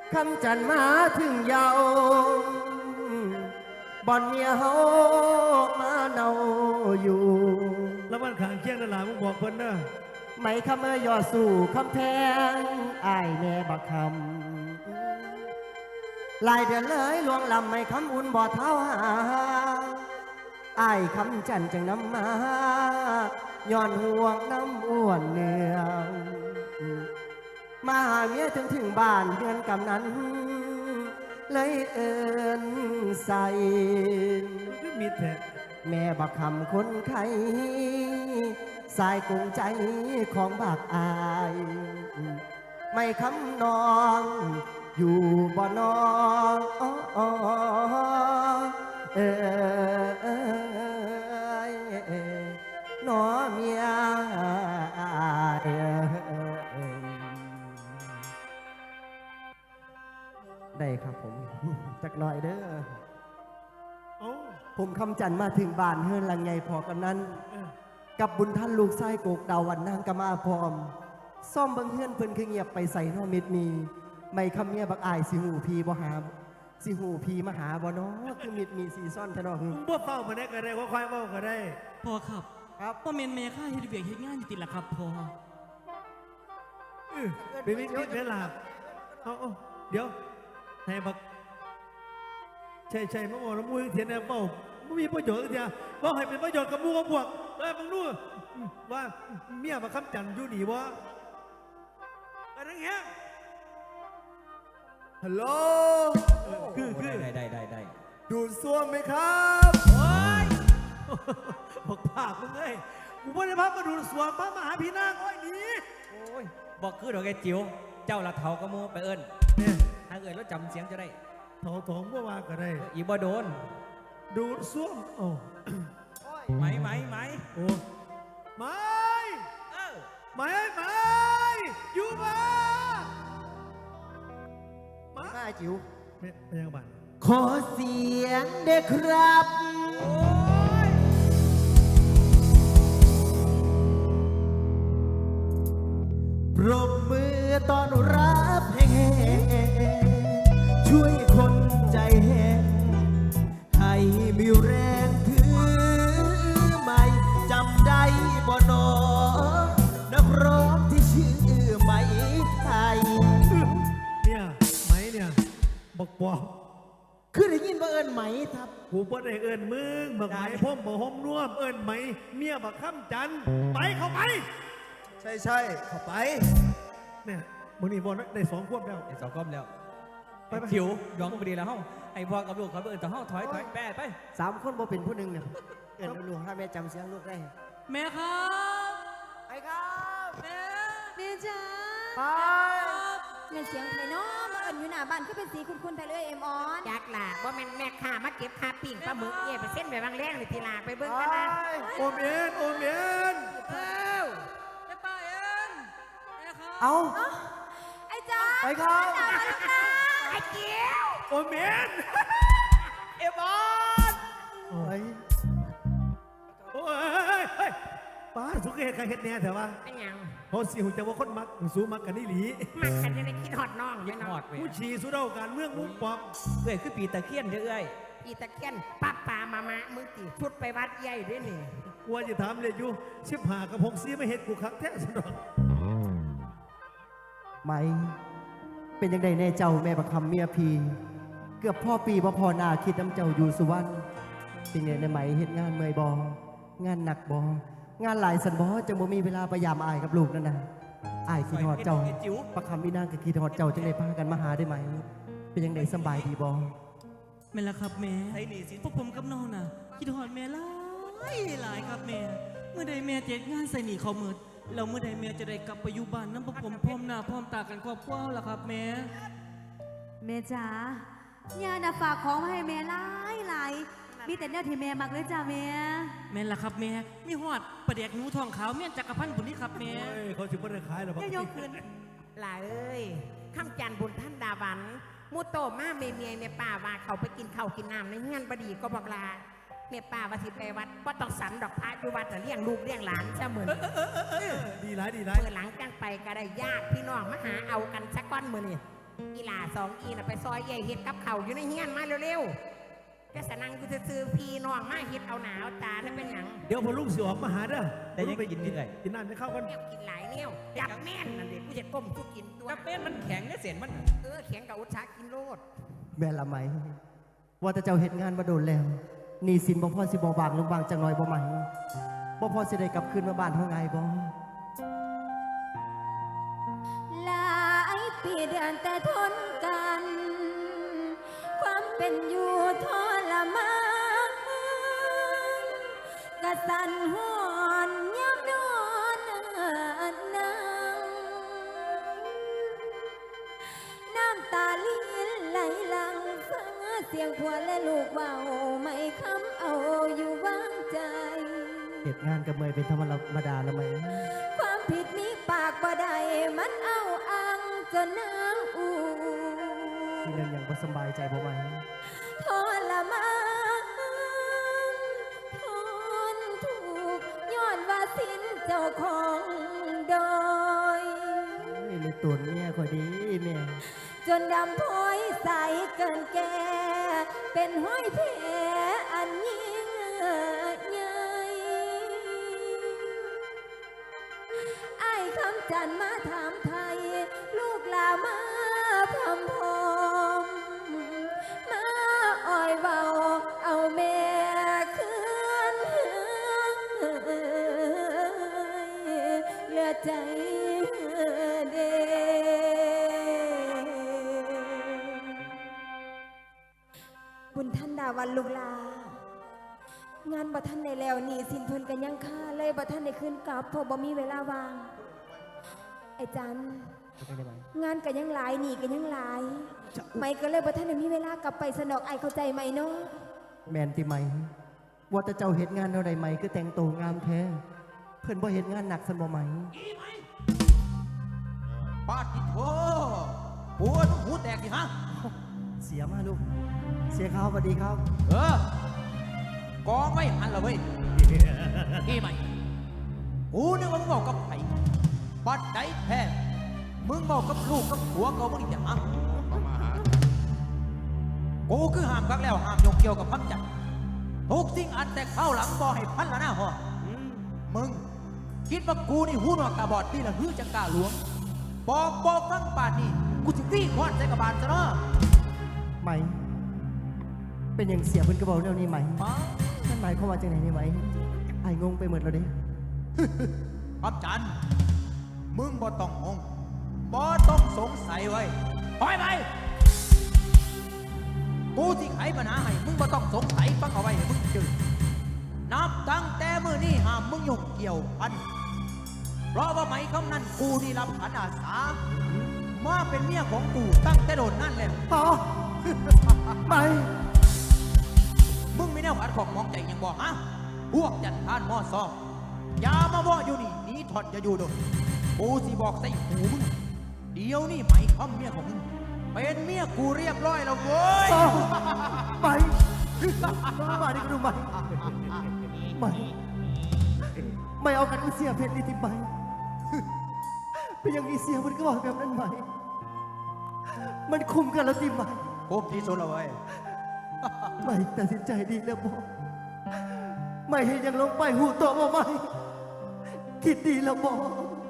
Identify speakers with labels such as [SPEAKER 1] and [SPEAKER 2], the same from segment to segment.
[SPEAKER 1] คำจันมาถึงเยาวบ่อนเมียเฮามาเนาอยู่
[SPEAKER 2] แล้วมันขางเคียงนั่นล่ะมึงบอกเพิ่นนะ
[SPEAKER 1] ไม่คำเมื่อยอดสู่คำแพงอายแม่บักคำลายเดือนเลยลวงลำไม่คำอุ่นบ่อเท้าหาอายคำจันจังน้ำมาย้อนห่วงน้ำอ้วนเนืองมาหาเมียถึงบ้านเดือนกำนั้นเลยเอินใส่
[SPEAKER 2] ก็มีแท้
[SPEAKER 1] แม่บักคำคนไข้สายกุงใจของบักอายไม่คำนองอยู่บ่นองหนอเมียได้ครับผมจักหน่อยเด้อผมคำจันมาถึงบ้านเฮือนหลังใหญ่พอกันนั้นกับบุญท่านลูกไส้โกกดาววันนางกะมาพร้อมซ่อมบังเฮือนเพิ่นคือเงียบไปใส่นอมิดมีไม่คำเมียบักอายสิหูพีบ่หาสิหูพีมาหาบ่เนาะคือมิดมีซีซ่อนทะเนาะ
[SPEAKER 2] มึงบ่เฝ้ามาได้ก็ได้ค่อยๆเฝ้าก็ได้
[SPEAKER 3] พอครับ
[SPEAKER 1] ครับ
[SPEAKER 3] พ่อเมนเมค่าเฮ็ดเวียกเฮ็ดงานอยู่ติดล่ะครับพอ
[SPEAKER 2] เป็นมิดเวลาเดี๋ยวให้บักใช่มาบอกแล้วมูเทียนแอบเฝ้าไม่มีประโยชน์เดียวว่าให้เป็นประโยชน์กับมูกับพวกมึงรู้ว่าเมียมาค้ำจันอยู่หนีวะอะไรเงี้ยฮัลโหลคือ
[SPEAKER 4] ได้
[SPEAKER 2] ดูดซ่วมไหมครับโอ้ยบอกปากมึงเลยกูไม่ได้พักมาดูดซ่วมพระมหาพีนางโอ้ยหนี
[SPEAKER 4] โอ้ยบอกคือดอกแกจิ๋วเจ้าละเถากระมูไปเอิญถ้าเอิญแล้วจำเสียงจะได้
[SPEAKER 2] ถองเมื่อวานก็ได้
[SPEAKER 4] อีบ่โดน
[SPEAKER 2] ดูดซ่วมโอ้
[SPEAKER 4] ไหม
[SPEAKER 2] โอ้ไม่อยู่มา
[SPEAKER 1] มาจิ๋ว
[SPEAKER 2] เป็นยังไง
[SPEAKER 1] ขอเสียงเด็กครับปรบมือต้อนรับแห่ช่วยคนใจแห้งให้มีแรงถือไม่จำได้บ่นอนักร้องที่ชื่อไหมไทย
[SPEAKER 2] เนี่ยไหมเนี่ยบอก
[SPEAKER 1] คือได้ยินว่าเอิญไหมครับ
[SPEAKER 2] กูบ่ได้เอิญมึงบักไหมพ่มบ่ห่มน่วมเอิญไหมเมียบักค้ำจันไปเข้าไป
[SPEAKER 1] ใช่เข้าไป
[SPEAKER 2] เนี่ยมึงนี่บอลได้2 ควบแล้ว
[SPEAKER 4] 2 ควบแล้วไปจิ๋วยองพอดีแล้วเฮ้าไอ้พ่อกับลูกเขาเอิญแต่เฮ้าถอยแปะไป
[SPEAKER 1] 3 คนบ่เป็นผู้หนึ่งเนี่ยเอิญลูกถ้าแม่จำเสียงลูกได้
[SPEAKER 3] แม่ครับ
[SPEAKER 1] ไอ้ครับ
[SPEAKER 3] แม่จ๋า
[SPEAKER 1] ไป
[SPEAKER 5] เงินเสียงไทยน้องมาเอิญอยู่หน้าบ้านก็เป็นสีคุณไทยเลยเอ็มออน
[SPEAKER 6] จักล่ะว่าแม่ข้ามาเก็บคาปิ่งปลาหมึกเย่ไปเส้นไปบางแรงเลยทีลาไปเบิ้งกันนะ
[SPEAKER 2] โอมเอ็น
[SPEAKER 3] แม่ป้าเอ็นแม่ครับ
[SPEAKER 1] เอา
[SPEAKER 5] ไอ้จ้า
[SPEAKER 1] ไอ้ครับ
[SPEAKER 6] ไอ้เกี้ยว
[SPEAKER 2] โอมเอ็น
[SPEAKER 6] เอ็มออน
[SPEAKER 2] โอ้ยป้าสุกเกตใครเฮ็ดแน่เถอะวะ
[SPEAKER 6] ไอ้ยัง
[SPEAKER 2] เขาสิหุ่นจะว่าคนมักสู้มักกันนี่หลี
[SPEAKER 6] มักกันจะได้คิดฮอดน้อง
[SPEAKER 4] คิดฮอด
[SPEAKER 2] ผู้ชีสู้เท่ากันเมืองมุกปอบ
[SPEAKER 4] เอ้ยคือปีตะเคียนเด้อเอ้ย
[SPEAKER 6] ปีตะเคียนป้ามามึงตีชุดไปวัดใหญ่ด้วยนี่
[SPEAKER 2] กลัวจะถามเลยอยู่15 กับ6 ซีไม่เห็นกูคักแท้สุดหรอก
[SPEAKER 1] ไม่เป็นยังไงแน่เจ้าแม่ประคำเมียพีเกือบพ่อปีพ่อนาคิดน้ำเจ้าอยู่สุวรรณเป็นไงในไหมเฮ็ดงานเมื่อยบองานหนักบองานหลายสันบอจะบ่มีเวลาพยายามอายกับลูกนั่นนะอายคิดฮอดเจ้าประคำวินางกับคิดฮอดเจ้าจังได้พากันมาหาได้ไหมเป็นยังไงสบายดีบอ
[SPEAKER 3] แม่ละครับแม่พวกผมกับน้องน่ะคิดฮอดแม่หลายครับแม่เมื่อใดแม่เจ็ดงานใส่หนีเขาเมิดแล้วเมื่อใดแม่จะได้กลับไปอยู่บ้านน้ำพวกผมพร้อมหน้าพร้อมตากันครอบครัวล่ะครับแม่
[SPEAKER 5] จ๋าย่าน่ะฝากของมาให้แม่หลายมีแต่เนี่ยที่แม่มักเลยจ้า
[SPEAKER 3] แม่ล่ะครับแม่มีหอดประเด็กหนูทองขาวเมี่ยนจักรพันธ์บุญนี่ครับแม่
[SPEAKER 2] เขาถือว่าได้ขายหรอ
[SPEAKER 6] ยกขึ้นหล่ะเอ้ยข้ามจันบุญท่านดาวันมูโตมาเมียป่าว่าเขาไปกินข้าวกินน้ำในเงี้ยบดีก็บอกลาเมียป่าว่าสิไปวัดก็ต้องสันดอกพระอยู่วัดแต่เลี้ยงลูกเลี้ยงหลานเสมือน
[SPEAKER 2] ดีไร
[SPEAKER 6] เมื่อหลังกันไปก็ได้ญาติพี่น้องมาหาเอากันสักก้อนมือนี่อีหลาสองอีน่ะไปซอยใหญ่เฮ็ดกับเขาวอยู่ในเฮียนมาเร็วๆแค่สนังกูจะซื้อพี่น้องมาเฮ็ดเอาหนาวตาได้เป็นหยัง
[SPEAKER 2] เดี๋ยวพอลุงสิออกมาหาเด้อ
[SPEAKER 4] แต่ยังกินนี่เลย
[SPEAKER 2] กินน้ำจะเข้ากัน
[SPEAKER 6] แนวกินหลายแนวจับแม่นนั่นเด็กกูจะก้มกูกินตัว
[SPEAKER 4] กาแฟมันแข็งเนี่ยเสียนมัน
[SPEAKER 6] แข็งกับอุตสาหกินโลด
[SPEAKER 1] แม่นละไหม ว่าแต่เจ้าเฮ็ดงานมาโดนแล้วหนี่สินบ่พอสิบ่บางลงบางจังหน่อยบ่ไหมบ่พอสิได้กลับคืนมาบ้านเฮาไงบ่
[SPEAKER 5] หลายปีเดือนแต่ทนกัน ความเป็นอยู่ทรมานกระสันหอนยับนอนนังน้ำตาลิ้นไหลหลังฟังเสียงผัวและลูกเบาไม่คำเอาอยู่วางใจ
[SPEAKER 1] เฮ็ดงานกับเมยเป็นธรรมดาละไหม
[SPEAKER 5] ความผิดมีปากบ่ได้มันเอาอังจนน้ำอู
[SPEAKER 1] ที่เรื่องยังบ่สำบายใจบ่ไหม
[SPEAKER 5] ทรมานทนถูกย้อนว่าสิ้นเจ้าของโดย
[SPEAKER 1] ในตัวเมียคอยดีแม่
[SPEAKER 5] จนดำพ้อยใสเกินแก่ เป็นห้อยแผลอันยิ่งใหญ่ไอ้คำจันมาถามไทย ลูกลามาพรำพรมมาอ้อยเบาเอาแม่คืนเหลือใจเดบุญท่านดาวันลูกลางานบ่ท่านในแล้วนี่สินเพิ่นกันยังค่าเลยบ่ท่านในขึ้นกลับเพราะบ่มีเวลาวางไอ้จัน
[SPEAKER 1] เป็นได้ไหม
[SPEAKER 5] งานกันยังหลายหนีกันยังหลายไม่ก็เลยบ่ท่านได้มีเวลากลับไปสนอกไอเข้าใจไหมเนาะ
[SPEAKER 1] แม่นติไหม ว่าแต่เจ้าเฮ็ดงานเท่าใดไหมคือแต่งตัวงามแท้ เพิ่นบ่เฮ็ดงานหนักซั่นบ่ไหม
[SPEAKER 7] ปาติโถปวดหูแตกสิฮะ
[SPEAKER 1] เสียมาลูก เสียครับสวัสดีครับ
[SPEAKER 7] กองไม่หันละเว้ยกี่ไหมกูนึกว่ามึงบอกกับไผ่ปัดใจแท้มึงบอกกับลูกกับผัวเขามึงอีกอย่างฮะกูคือห้ามกักแล้วห้ามยกเกี่ยวกับพักจับทุกสิ่งอันแต่เข้าหลังบอกให้พันละหน้าหัวมึงคิดว่ากูนี่หูหนวกตาบอดที่ละหื้อจังกล้าหลวงบอกฟังป่านนี้กูจะตีควานใส่กระบาลซะเนาะ
[SPEAKER 1] ไหม เป็นอย่างเสียเพิ่นก็บอกแนวนี้ไหมนั่นหมายความว่าจังไหนนี่ไหมไอ้งงไปหมดแล้วเด้
[SPEAKER 7] ครับจันมึงบ่ต้องงงบ่ต้องสงสัยไว้ปล่อยไปกูที่ไขปัญหาให้มึงบ่ต้องสงสัยฟังเอาไว้ให้มึงจืดนับตั้งแต่มื้อนี้ห้ามมึงยุ่งเกี่ยวพันเพราะว่าไหมคำนั้นกูนี่รับขันอาสามาเป็นเมียของกูตั้งแต่โดนนั่นแหละ
[SPEAKER 1] อ๋อ ไหม
[SPEAKER 7] มึงไม่แน่ขัดของมองใจยังบอกฮะพวกจัดทานหม้อซอกอย่ามาว่าอยู่นี่หนีถอดอย่าอยู่โดนกูสิบอกใส่หูมึงเดี๋ยวนี่ไหมคำเมียของมึงเป็นเมียกูเรียบร้อยแล้วเว้ย
[SPEAKER 1] อ๋อไหมมาดิกระดูไหมไหมไม่เอากันกูเสียเพชรนี่ติไหมเป็นอย่างนี้เสียมันก็บอกแบบนั้นไหม มันคุมกันแล้วติไหม
[SPEAKER 7] ครบที่สุดแล้วเว้ย
[SPEAKER 1] ไม่ตัดสินใจดีแล้วบอกไม่ให้ยังลงไปหูโตมาไม่คิดดีแล้วบอก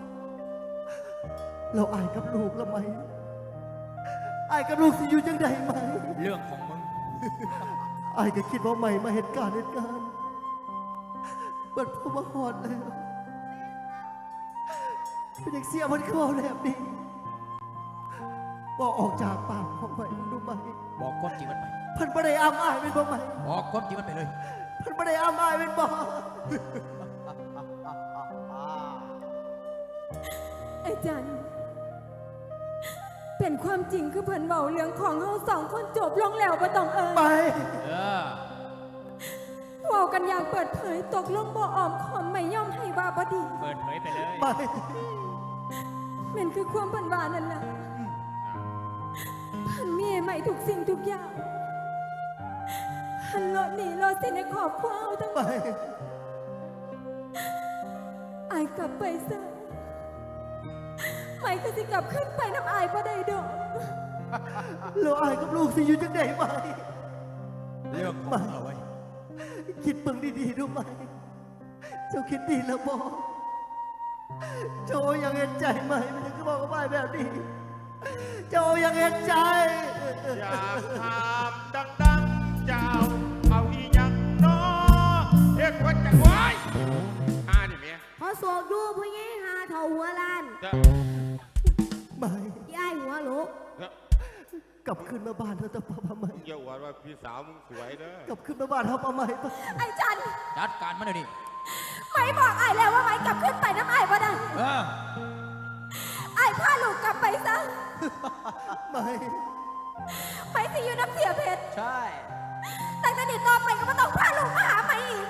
[SPEAKER 1] เราอายกับลูกแล้วไหมอายกับลูกสิอยู่จังใดไหม
[SPEAKER 7] เรื่องของมึง
[SPEAKER 1] อายก็คิดว่าไม่มาเหตุการณ์เปิดพวกมาหอดแล้วเป็นอย่างเสียมันเข้าแล้วนี่บอกออกจากปากของไม่รู้ไหม
[SPEAKER 7] บอกความจริงมันไป
[SPEAKER 1] เพิ่นบ่ได้อ้ำอายเป็นบ่ไหม
[SPEAKER 7] บอกความจริงมันไปเลย
[SPEAKER 1] เพิ่นบ่ได้อ้ำอายเป็นบ่
[SPEAKER 5] ไอ้จันเป็นความจริงคือเพิ่นเบาเรื่องของเฮาสองคนจบลงแล้วบ่ต้องเอ่ย
[SPEAKER 1] ไป
[SPEAKER 5] เว้ากันอย่างเปิดเผยตกลงบ่อ้อมขอมไม่ย่อมให้ว่าบ่ดี
[SPEAKER 4] เปิดเผยไปเลย
[SPEAKER 1] ไป
[SPEAKER 5] แม่นคือความเพิ่นว่านั่นล่ะเพิ่นมีให้ใหม่ทุกสิ่งทุกอย่างหันรถหนีรถสิในครอบครัวเอาทั้งหม
[SPEAKER 1] ไป
[SPEAKER 5] ดอายกลับไปซะใหม่ก็สิกลับขึ้นไปน้ำอายบ่ได้ดอก
[SPEAKER 1] แล้วอายกับลูกสิอยู่จังไดไหม
[SPEAKER 7] เรื่องของมึงเอาไว้
[SPEAKER 1] คิดเบิ่งดีๆดูไหม เจ้าคิดดีแล้วบอกเจ้ายังเห็นใจไหมมันยังก็บอกกับอายแบบนี้ เจ้ายังเห็นใจ
[SPEAKER 8] อยากถามดังๆเจ้าเอาอีหยังน้อเฮ็ดว่าจะไว้นี่เมีย
[SPEAKER 5] พอโศกดูผู้หญิงหาเท่าหัวล้าน
[SPEAKER 8] จะ
[SPEAKER 1] ไม่
[SPEAKER 5] ย้ายหัวลุก
[SPEAKER 1] กลับขึ้นมาบ้านเธอแต่ป้าไม่
[SPEAKER 8] อย่าหวานว่าพี่สาวมึงสวยเด้อก
[SPEAKER 1] ลับขึ้นมาบ้านเธอป้าไม่ปะ
[SPEAKER 5] ไอ้จัน
[SPEAKER 7] จัดการมันเลยดิ
[SPEAKER 5] ไม่บอกไอ้แล้วว่าไม่กลับขึ้นไปน้ำไอ้บ่ได้
[SPEAKER 7] เออ
[SPEAKER 5] ไอ้พาลูกกลับไปซะ
[SPEAKER 1] ไม่
[SPEAKER 5] ไปสิอยู่น้ำเสียเพชร
[SPEAKER 7] ใช่
[SPEAKER 5] แต่ตอนนี้ต่อไปก็ไม่ต้องพาลูกมาหาไม่อีก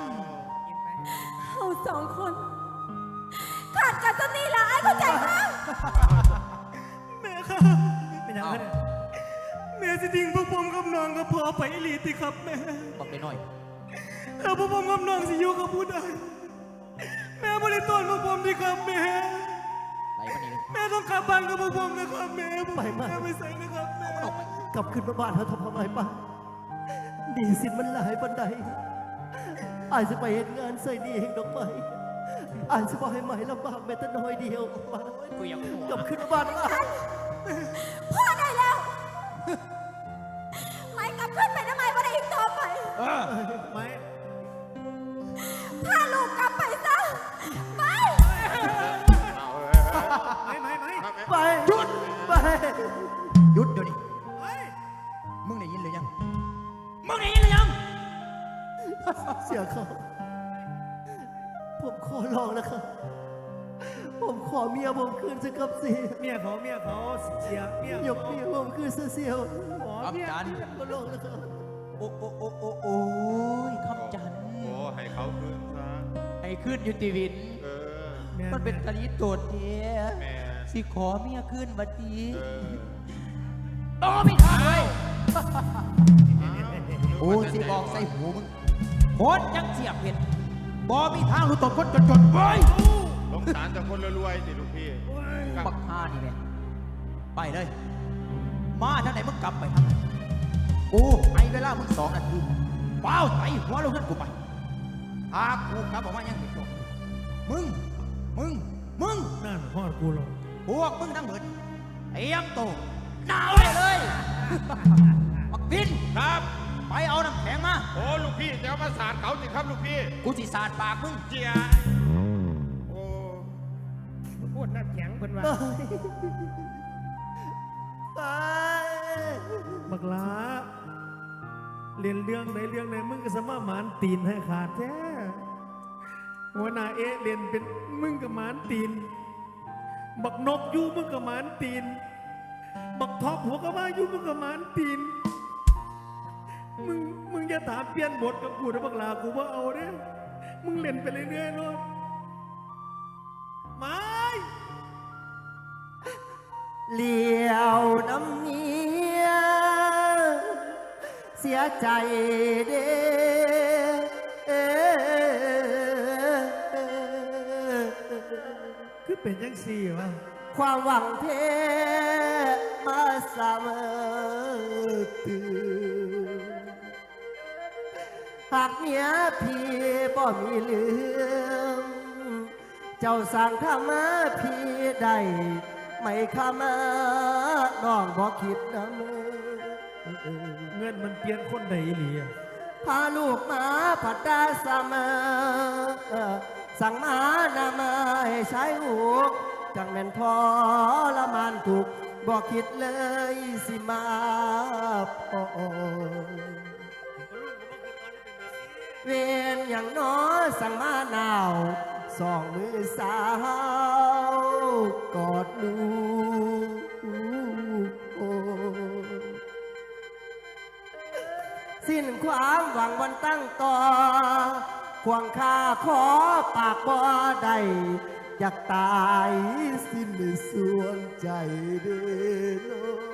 [SPEAKER 5] เราสองคนขาดกันจนนี่ละไอ้เข้าใจไหม
[SPEAKER 2] แม่ครับเป็นยังไงเนี่ยแม่สิทิ้งพวกผมกับน้องกับพ่อไปอีหลีติครับแม่
[SPEAKER 7] บอกได้หน่อย
[SPEAKER 2] แล้วพวกผมกับน้องสิอยู่กับผู้ใดแม่บริตนพวกผมดิครับแม่
[SPEAKER 7] ไหลมานี่เลย
[SPEAKER 2] แม่ต้องกลับบ้านกับพวกผมนะครับแม่แม่ไม่ใส่นะครับแม่
[SPEAKER 7] ออกไป
[SPEAKER 1] กลับขึ้นมาบ้านเธอทำไมปะดีสินมันหลายบันไดอายจะไปเห็นงานใส่ดีเองดอกไม้อายจะบอกให้ไหมลำบากแม้แต่น้อยเดียวมา
[SPEAKER 7] กูยังหัว
[SPEAKER 1] กลับขึ้นมาบ้านอาย
[SPEAKER 5] พ่อได้แล้ว ไม่กลับขึ้นไปทำไมบ่ได้อีกต่อไป
[SPEAKER 7] เออ
[SPEAKER 2] ไม่
[SPEAKER 5] พาลูกกลับไปซะไม่
[SPEAKER 8] เอาเ
[SPEAKER 2] ไม่
[SPEAKER 1] ไปหยุดไป
[SPEAKER 7] หยุดเดี๋ยวนี้
[SPEAKER 2] เฮ้ย
[SPEAKER 7] มึงได้ยินหรือยัง มึงได้ยินหรือยัง
[SPEAKER 1] เสียเขาผมขอร้องนะครับ ผมขอเมียผมคืนสักกับสิ
[SPEAKER 2] เมียเขาเสียเมีย
[SPEAKER 1] ยกเมียผมคืนเสียว
[SPEAKER 2] ขอ
[SPEAKER 7] ครับ
[SPEAKER 2] เมีย
[SPEAKER 7] จัน
[SPEAKER 1] ขอร้องนะครับ
[SPEAKER 7] โอ้โอ้โอ้โอ้โอ้ยคำจันทร์
[SPEAKER 8] โอ้ให้เขาคืนซะ
[SPEAKER 7] ไอ้ขึ้นอยู่ตีวิน
[SPEAKER 8] เออ
[SPEAKER 7] มันเป็นกะลีโจดเทีย
[SPEAKER 8] แม่
[SPEAKER 7] สิขอเมียขึ้นวัดดี
[SPEAKER 8] เออ
[SPEAKER 7] โอ้ไม่ทันเลยโอ้สิบอกใส่หูมึงโคตรจังเสียบเห็ดบอมีทางรู้ตกคนจนเว้ย
[SPEAKER 8] สงสารแต่คนรวยๆสิลูกพี่
[SPEAKER 7] ปักห้านี่แหละไปเลย มาทางไหนมึงกลับไปทางไหนกูให้เวลามึง2 นาทีเป้าไต่หัวลงเงินกูไปหากกูกลับออกมายังไม่จบมึง
[SPEAKER 2] นั่นพ่อกูหรอก
[SPEAKER 7] พวกมึงทั้งหมดเตรียมตัวหนาวไว้เลยปักบิน
[SPEAKER 8] ครับ
[SPEAKER 7] ไปเอาน้ำแข็งมา
[SPEAKER 8] โอ้ลูกพี่จะเอามาสาดเขาสิครับลูกพี่
[SPEAKER 7] กูสิสาดปากมึง
[SPEAKER 8] เจียโอ้
[SPEAKER 6] พูดน้ำแข็งเป็นว่า
[SPEAKER 1] ไป
[SPEAKER 2] บักหลาเรียนเรื่องไหนมึงก็สามารถหมานตีนให้ขาดแท้หัวหน้าเอะเรียนเป็นมึงกับหมานตีน บักนกอยู่มึงกับหมานตีน บักท็อปหัวก็มาอยู่มึงกับหมานตีน มึงอย่าถามเปลี่ยนบทกับกูนะบักหลากูว่าเอาเด้มึงเล่นไปเรื่อยๆเนาะไม่
[SPEAKER 1] เลี้ยวน้ำเมียเสียใจเด้
[SPEAKER 2] คือเป็นยังสี่วะ
[SPEAKER 1] ความหวังเพมาเสมอตื่นหากเมียพี่บ่มีเหลืองเจ้าสั่งข้ามาพี่ได้ไม่ข้ามาน้องบ่คิดนะมือ
[SPEAKER 2] เงินมันเปลี่ยนคนใดอีหลีอะ
[SPEAKER 1] พาลูกมาผัดดาเสมอสั่งมานามาให้ใช้หูกจังแม่นพอละมันถูกบอกคิดเลยสิมาพอเวียนอย่างน้อสั่งมาหนาวสองมือสาวกอดลูกโอ สิ้นความหวังวันตั้งต่อควงคาขอปากบ่ได้อยากตายสิ้นส่วนใจเด้อ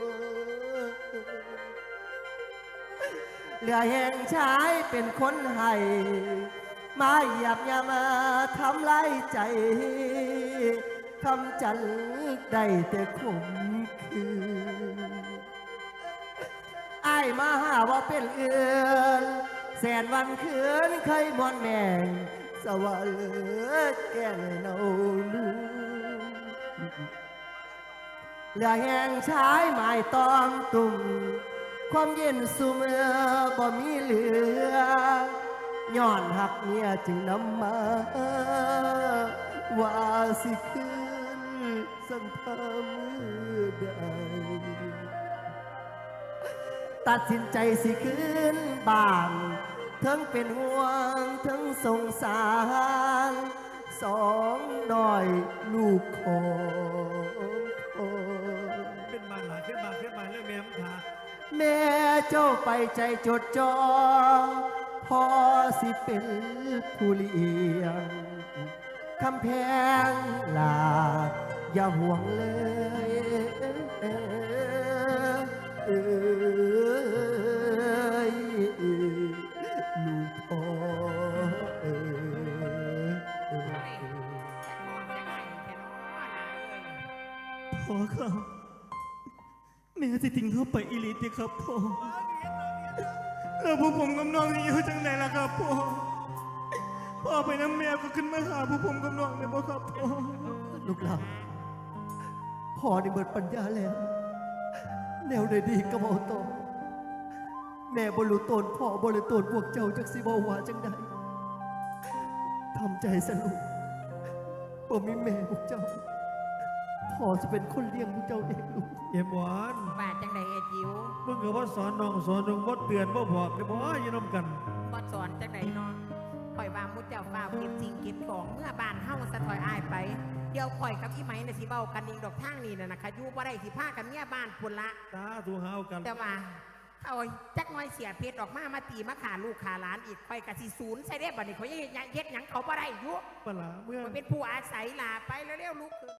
[SPEAKER 1] เหลือแห่งชายเป็นคนให้มาเหยียบยามาทำลายใจคำจันได้แต่ข่มขืนมาหาว่าเป็นเอือนแสนวันคืนเคยมอนแม่งสวรรค์แก่เนาลูเหลือแห่งชายหมายตอมตุ่มความเย็นสูเมื่อบ่มีเหลือย้อนหักเมียจึงนำมาว่าสิคืนสังพามือใดตัดสินใจสิคืนบ้านทั้งเป็นห่วงทั้งสงสารสองน้อยลูกของพ่อ
[SPEAKER 2] เป็นบ้านหลานขึ้นมาเรื่องแม่มึงขา
[SPEAKER 1] แม่เจ้าไปใจจดจ่อพอสิเป็นผู้เลี้ยงคำแพงลาอย่าห่วงเลยลูกพ่อ
[SPEAKER 3] พ่อครับแม่สิทิ้งเขาไปอีหลีติครับพ่อแล้วพวกผมกับน้องที่อยู่จังไหนล่ะครับพ่อพ่อไปน้ำแม่ก็ขึ้นมาหาพวกผมกับน้องเลยพ่อครับพ่อ
[SPEAKER 1] ลูกหลานพ่อได้เบิดปัญญาแล้ว แนวใดดีก็บอกต่อแม่บริตนพ่อบริตนพวกเจ้าจากสิบวาจังใดทำใจสนุกบ่มีแม่พวกเจ้าพ่อจะเป็นคนเลี้ยงพวกเจ้าเองลูก
[SPEAKER 2] เอ็มหวาน
[SPEAKER 6] ว่าจังใดไอ้จิ๋ว
[SPEAKER 2] มึงก็ว่าสอนน้องสอนนุ่งว่าเตือนว่าบอกเลยบอกว่าอย่าน้ำกัน
[SPEAKER 6] บ่สอนจังใดเนาะข่อยว่ามุดเจ้าฟ้าวเก็บสิ่งเก็บของเมื่อบ้านเฮาสะถอยอายไปเดี๋ยวข่อยกับอีไหมน่ะสิเว้ากันเองดอกทางนี้น่ะนะคะอยู่บ่ได้สิพากันเมียบ้านพุ่นละ
[SPEAKER 2] ตาถูหาวกัน
[SPEAKER 6] แต่ว่าเอาจักน้อยเสียเพชรออกมาตีมาขาลูกขาหลานอีกข่อยก็สิศูนย์ใส่ได้บัดนี้ข่อยยังเฮ็ดหยังเขาบ่ได้อยู่
[SPEAKER 2] ปลาเมื่อ
[SPEAKER 6] ข่อยเป็นผู้อาศัยลาไปเร็วๆลูก